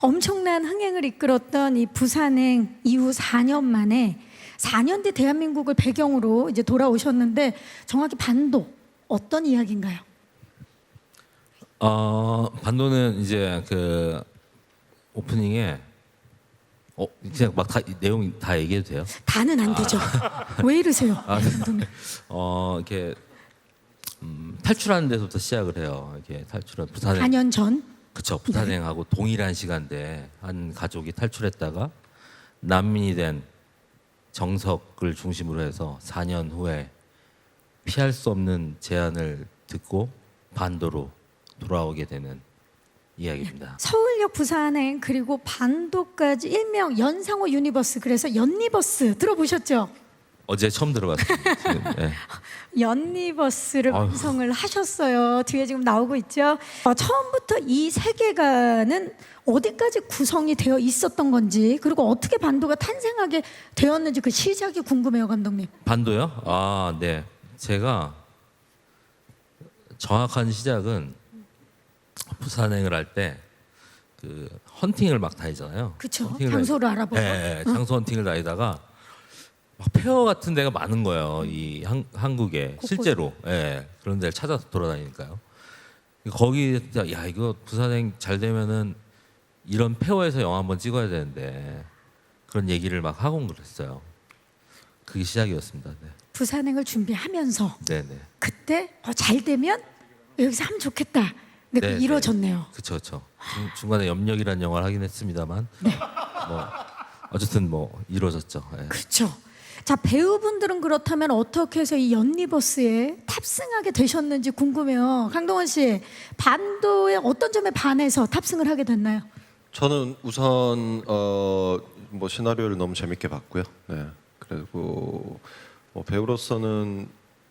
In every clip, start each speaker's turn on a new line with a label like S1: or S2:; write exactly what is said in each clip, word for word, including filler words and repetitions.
S1: 엄청난 흥행을 이끌었던 이 부산행 이후 사 년 만에 사 년 뒤 대한민국을 배경으로 이제 돌아오셨는데 정확히 반도 어떤 이야기인가요?
S2: 어, 반도는 이제 그 오프닝에 어 그냥 막 다 내용 다 얘기해도 돼요?
S1: 다는 안 되죠. 왜 이러세요?
S2: 아,
S1: 감독님?
S2: 어 이렇게 음, 탈출하는 데서부터 시작을 해요. 이렇게 탈출한 부산행.
S1: 사 년 전?
S2: 그쵸. 부산행하고 동일한 시간대에 한 가족이 탈출했다가 난민이 된 정석을 중심으로 해서 사 년 후에 피할 수 없는 제안을 듣고 반도로 돌아오게 되는 이야기입니다.
S1: 서울역 부산행 그리고 반도까지 일명 연상호 유니버스, 그래서 연니버스 들어보셨죠?
S2: 어제 처음 들어봤습니다. 지금, 네.
S1: 연니버스를
S2: 아유.
S1: 완성을 하셨어요. 뒤에 지금 나오고 있죠. 어, 처음부터 이 세계관은 어디까지 구성이 되어 있었던 건지, 그리고 어떻게 반도가 탄생하게 되었는지 그 시작이 궁금해요, 감독님.
S2: 반도요? 아, 네. 제가 정확한 시작은 부산행을 할 때 그 헌팅을 막 다니잖아요.
S1: 그쵸?
S2: 헌팅을
S1: 장소를
S2: 다니-
S1: 알아보고.
S2: 네, 장소 헌팅을 다니다가 막 폐허 같은 데가 많은 거예요. 이 한, 한국에
S1: 곳곳에.
S2: 실제로. 예, 그런 데를 찾아서 돌아다니니까요. 거기 진짜 야 이거 부산행 잘 되면은 이런 폐허에서 영화 한번 찍어야 되는데 그런 얘기를 막 하고 그랬어요. 그게 시작이었습니다. 네,
S1: 부산행을 준비하면서
S2: 네, 네.
S1: 그때 어, 잘 되면 여기서 하면 좋겠다. 근데
S2: 네,
S1: 그 이루어졌네요.
S2: 그렇죠, 그렇죠. 중간에 염력이라는 영화를 하긴 했습니다만,
S1: 네.
S2: 뭐 어쨌든 뭐 이루어졌죠. 예.
S1: 그렇죠. 자, 배우분들은 그렇다면 어떻게 해서 이 연니버스에 탑승하게 되셨는지 궁금해요. 강동원 씨, 반도의 어떤 점에 반해서 탑승을 하게 됐나요?
S3: 저는 우선 어, 뭐 시나리오를 너무 재밌게 봤고요. 네. 그리고 뭐 배우로서는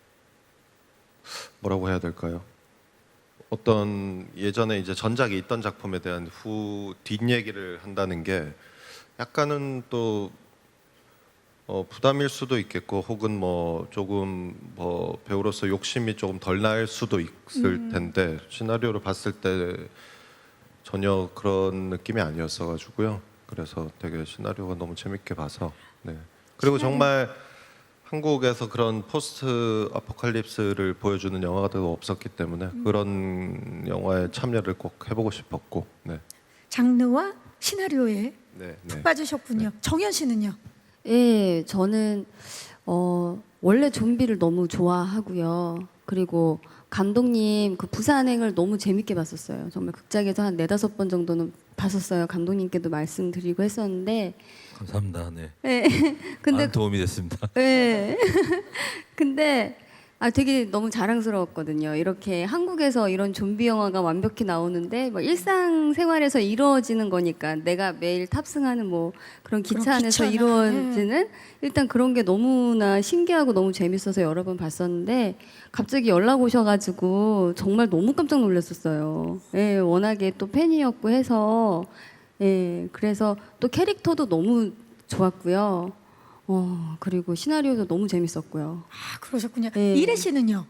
S3: 뭐라고 해야 될까요? 어떤 예전에 이제 전작이 있던 작품에 대한 후 뒷얘기를 한다는 게 약간은 또 어, 부담일 수도 있겠고, 혹은 뭐 조금 뭐 배우로서 욕심이 조금 덜 날 수도 있을 텐데 시나리오를 봤을 때 전혀 그런 느낌이 아니었어 가지고요. 그래서 되게 시나리오가 너무 재밌게 봐서. 네. 그리고 정말 한국에서 그런 포스트 아포칼립스를 보여주는 영화가 더 없었기 때문에 그런 영화에 참여를 꼭 해보고 싶었고. 네.
S1: 장르와 시나리오에
S3: 네.
S1: 푹
S3: 네.
S1: 빠지셨군요. 정현 씨는요?
S4: 예, 저는 어, 원래 좀비를 너무 좋아하고요. 그리고 감독님 그 부산행을 너무 재밌게 봤었어요. 정말 극장에서 한 네다섯 번 정도는 봤었어요. 감독님께도 말씀드리고 했었는데,
S2: 감사합니다. 네.
S4: 예, 근데
S2: 많은 도움이 됐습니다.
S4: 예. 근데 아 되게 너무 자랑스러웠거든요. 이렇게 한국에서 이런 좀비 영화가 완벽히 나오는데 뭐 일상생활에서 이루어지는 거니까 내가 매일 탑승하는 뭐 그런 기차
S1: 그런
S4: 안에서
S1: 기차나,
S4: 이루어지는 일단 그런 게 너무나 신기하고 너무 재밌어서 여러 번 봤었는데 갑자기 연락 오셔가지고 정말 너무 깜짝 놀랐었어요. 예, 워낙에 또 팬이었고 해서 예, 그래서 또 캐릭터도 너무 좋았고요. 어, 그리고 시나리오도 너무 재밌었고요.
S1: 아, 그러셨군요.
S4: 네.
S1: 이래 씨는요?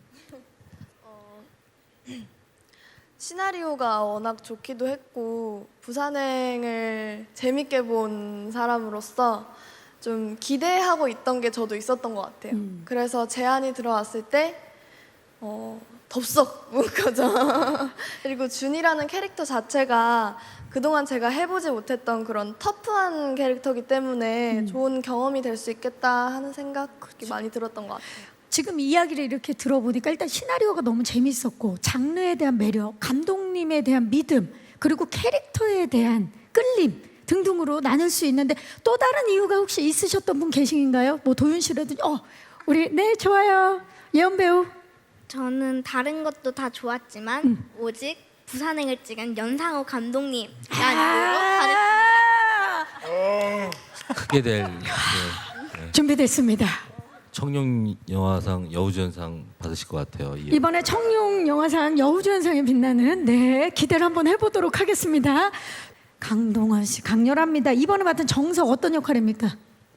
S5: 시나리오가 워낙 좋기도 했고 부산행을 재밌게 본 사람으로서 좀 기대하고 있던 게 저도 있었던 것 같아요.
S1: 음.
S5: 그래서 제안이 들어왔을 때 어, 덥석 운 거죠. 그리고 준이라는 캐릭터 자체가 그동안 제가 해보지 못했던 그런 터프한 캐릭터이기 때문에
S1: 음.
S5: 좋은 경험이 될 수 있겠다 하는 생각이 많이 들었던 것 같아요.
S1: 지금 이야기를 이렇게 들어보니까 일단 시나리오가 너무 재밌었고, 장르에 대한 매력, 감독님에 대한 믿음, 그리고 캐릭터에 대한 끌림 등등으로 나눌 수 있는데, 또 다른 이유가 혹시 있으셨던 분 계신가요? 뭐 도윤 씨라든지. 어, 우리 네 좋아요. 예언 배우.
S6: 저는 다른 것도 다 좋았지만 오직 부산행을 찍은 연상호 감독님 라는
S1: 아,
S2: 크게 될 네,
S1: 준비됐습니다.
S2: 청룡 영화상 여우주연상 받으실 것 같아요. 이
S1: 이번에 청룡 영화상 여우주연상에 빛나는 네 기대를 한번 해보도록 하겠습니다. 강동원 씨 강렬합니다. 이번에 맡은 정석 어떤 역할입니까?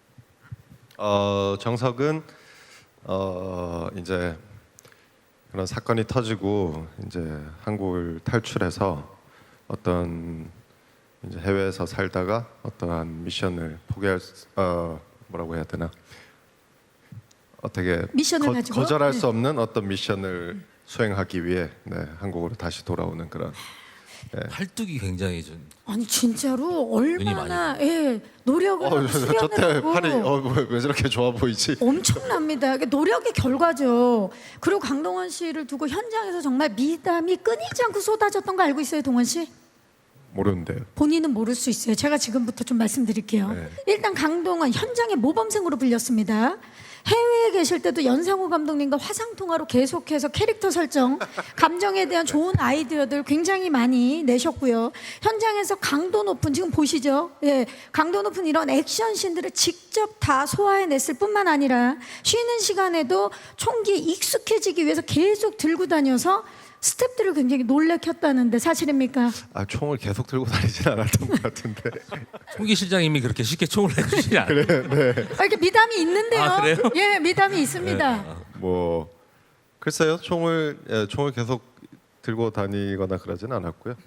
S3: 어, 정석은 어, 이제 그런 사건이 터지고 이제 한국을 탈출해서 어떤 이제 해외에서 살다가 어떠한 미션을 포기할 수, 어 뭐라고 해야 되나 어떻게
S1: 미션을
S3: 거,
S1: 가지고?
S3: 거절할
S1: 네.
S3: 수 없는 어떤 미션을 수행하기 위해 네, 한국으로 다시 돌아오는 그런
S2: 팔뚝이 굉장히 좀
S1: 아니 진짜로
S2: 눈이
S1: 얼마나 예, 노력을 하고
S3: 어,
S1: 수련을
S3: 저때
S1: 하고
S3: 팔이 어, 왜, 왜 저렇게 좋아 보이지?
S1: 엄청납니다. 이게 노력의 결과죠. 그리고 강동원 씨를 두고 현장에서 정말 미담이 끊이지 않고 쏟아졌던 거 알고 있어요, 동원 씨?
S3: 모르는데요.
S1: 본인은 모를 수 있어요. 제가 지금부터 좀 말씀드릴게요.
S3: 네.
S1: 일단 강동원 현장의 모범생으로 불렸습니다. 해외에 계실 때도 연상호 감독님과 화상 통화로 계속해서 캐릭터 설정, 감정에 대한 좋은 아이디어들 굉장히 많이 내셨고요. 현장에서 강도 높은 지금 보시죠. 예, 강도 높은 이런 액션 씬들을 직접 다 소화해냈을 뿐만 아니라 쉬는 시간에도 총기에 익숙해지기 위해서 계속 들고 다녀서 스태프들을 굉장히 놀래켰다는데 사실입니까?
S3: 아 총을 계속 들고 다니진 않았던 것 같은데.
S2: 총기 실장님이 그렇게 쉽게 총을 내주시지 않아요.
S1: 아, 이렇게 미담이 있는데요.
S2: 아, 그래요?
S1: 예, 미담이 있습니다.
S2: 네.
S3: 뭐 글쎄요, 총을 예, 총을 계속 들고 다니거나 그러진 않았고요.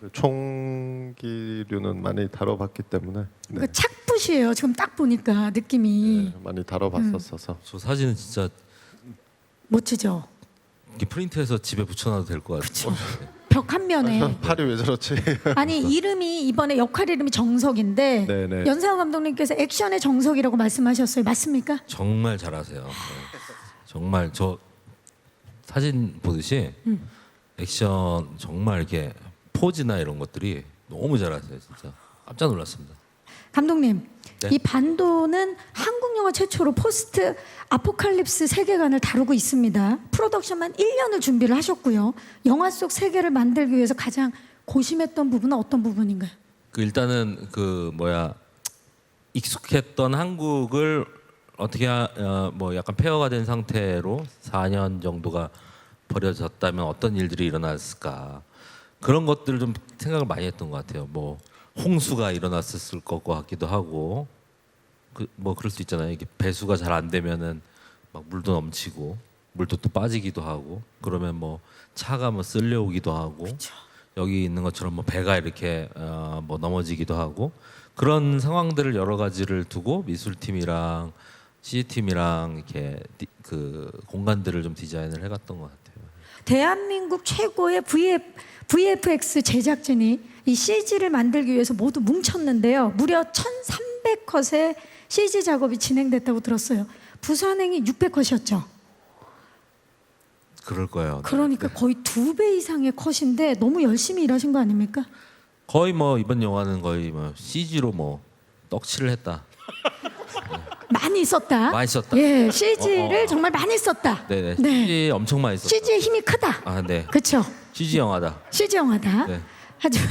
S3: 총기류는 많이 다뤄봤기 때문에 네,
S1: 그 착붙이에요. 지금 딱 보니까 느낌이
S3: 네, 많이 다뤄봤었어서
S2: 저 사진은 진짜
S1: 멋지죠.
S2: 이렇게 프린트해서 집에 붙여놔도 될 것 같아요.
S1: 벽 한 면에
S3: 팔이 왜 저렇지?
S1: 아니 이름이 이번에 역할 이름이 정석인데
S3: 네네.
S1: 연상호 감독님께서 액션의 정석이라고 말씀하셨어요. 맞습니까?
S2: 정말 잘하세요. 네. 정말 저 사진 보듯이 액션 정말 이렇게 포즈나 이런 것들이 너무 잘하세요. 진짜 깜짝 놀랐습니다.
S1: 감독님,
S2: 네.
S1: 이 반도는 한국 영화 최초로 포스트 아포칼립스 세계관을 다루고 있습니다. 프로덕션만 일 년을 준비를 하셨고요. 영화 속 세계를 만들기 위해서 가장 고심했던 부분은 어떤 부분인가요?
S2: 그 일단은 그 뭐야 익숙했던 한국을 어떻게 어, 뭐 약간 폐허가 된 상태로 사 년 정도가 버려졌다면 어떤 일들이 일어났을까 그런 것들을 좀 생각을 많이 했던 것 같아요. 뭐 홍수가 일어났을 것 같기도 하고 그 뭐 그럴 수 있잖아요. 이게 배수가 잘 안 되면은 막 물도 넘치고 물도 또 빠지기도 하고 그러면 뭐 차가 뭐 쓸려오기도 하고 여기 있는 것처럼 뭐 배가 이렇게 어, 뭐 넘어지기도 하고 그런 상황들을 여러 가지를 두고 미술팀이랑 씨지팀이랑 이렇게 디, 그 공간들을 좀 디자인을 해갔던 것 같아요.
S1: 대한민국 최고의 브이에프, 브이에프엑스 제작진이 이 씨지를 만들기 위해서 모두 뭉쳤는데요. 무려 천삼백 컷의 씨지 작업이 진행됐다고 들었어요. 부산행이 육백 컷이었죠.
S2: 그럴 거예요.
S1: 그러니까 거의 두 배 이상의 컷인데 너무 열심히 일하신 거 아닙니까?
S2: 거의 뭐 이번 영화는 거의 뭐 씨지로 뭐 떡칠을 했다.
S1: 많이 썼다.
S2: 많이 썼다.
S1: 예, 씨지를
S2: 어, 어, 어.
S1: 정말 많이 썼다.
S2: 네네.
S1: 네.
S2: 씨지 엄청 많이 썼다.
S1: 씨지의 힘이 크다.
S2: 아, 네.
S1: 그렇죠.
S2: 씨지 영화다.
S1: 씨지 영화다.
S2: 네.
S1: 하지만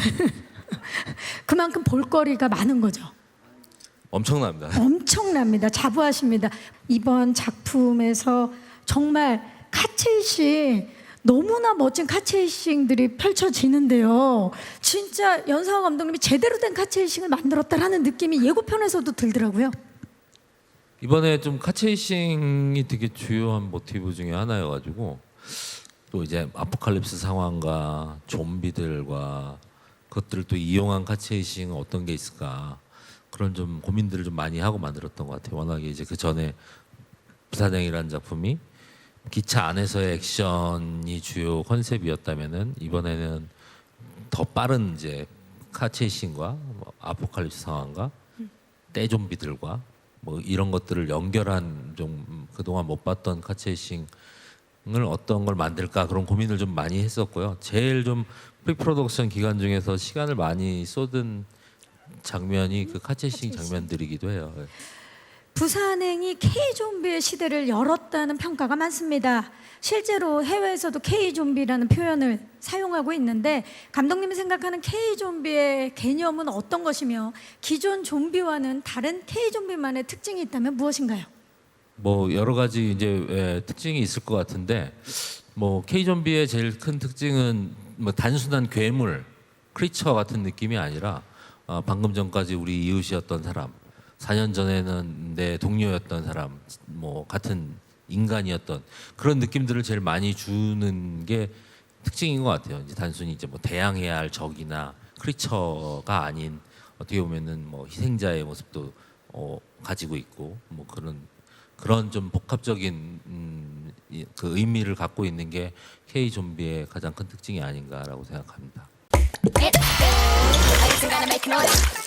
S1: 그만큼 볼거리가 많은 거죠.
S2: 엄청납니다.
S1: 엄청납니다. 자부하십니다. 이번 작품에서 정말 카체이싱 너무나 멋진 카체이싱들이 펼쳐지는데요. 진짜 연상호 감독님이 제대로 된 카체이싱을 만들었다라는 느낌이 예고편에서도 들더라고요.
S2: 이번에 좀 카체이싱이 되게 주요한 모티브 중에 하나여가지고 또 이제 아포칼립스 상황과 좀비들과 그것들을 또 이용한 카체이싱은 어떤 게 있을까 그런 좀 고민들을 좀 많이 하고 만들었던 것 같아요. 워낙에 이제 그 전에 부산행이라는 작품이 기차 안에서의 액션이 주요 컨셉이었다면은 이번에는 더 빠른 이제 카체이싱과 뭐 아포칼립스 상황과 떼좀비들과 뭐 이런 것들을 연결한 좀 그동안 못 봤던 카체이싱을 어떤 걸 만들까 그런 고민을 좀 많이 했었고요. 제일 좀 프리프로덕션 기간 중에서 시간을 많이 쏟은 장면이 그 카체이싱 장면들이기도 해요.
S1: 부산행이 K-좀비의 시대를 열었다는 평가가 많습니다. 실제로 해외에서도 K-좀비라는 표현을 사용하고 있는데 감독님이 생각하는 K-좀비의 개념은 어떤 것이며 기존 좀비와는 다른 K-좀비만의 특징이 있다면 무엇인가요?
S2: 뭐 여러 가지 이제 예, 특징이 있을 것 같은데 뭐 K 좀비의 제일 큰 특징은 뭐 단순한 괴물, 크리처 같은 느낌이 아니라 어, 방금 전까지 우리 이웃이었던 사람, 사 년 전에는 내 동료였던 사람, 뭐 같은 인간이었던 그런 느낌들을 제일 많이 주는 게 특징인 것 같아요. 이제 단순히 이제 뭐 대항해야 할 적이나 크리처가 아닌 어떻게 보면은 뭐 희생자의 모습도 어, 가지고 있고 뭐 그런 그런 좀 복합적인 음, 이, 그 의미를 갖고 있는 게 K 좀비의 가장 큰 특징이 아닌가라고 생각합니다.
S7: I just gotta make noise.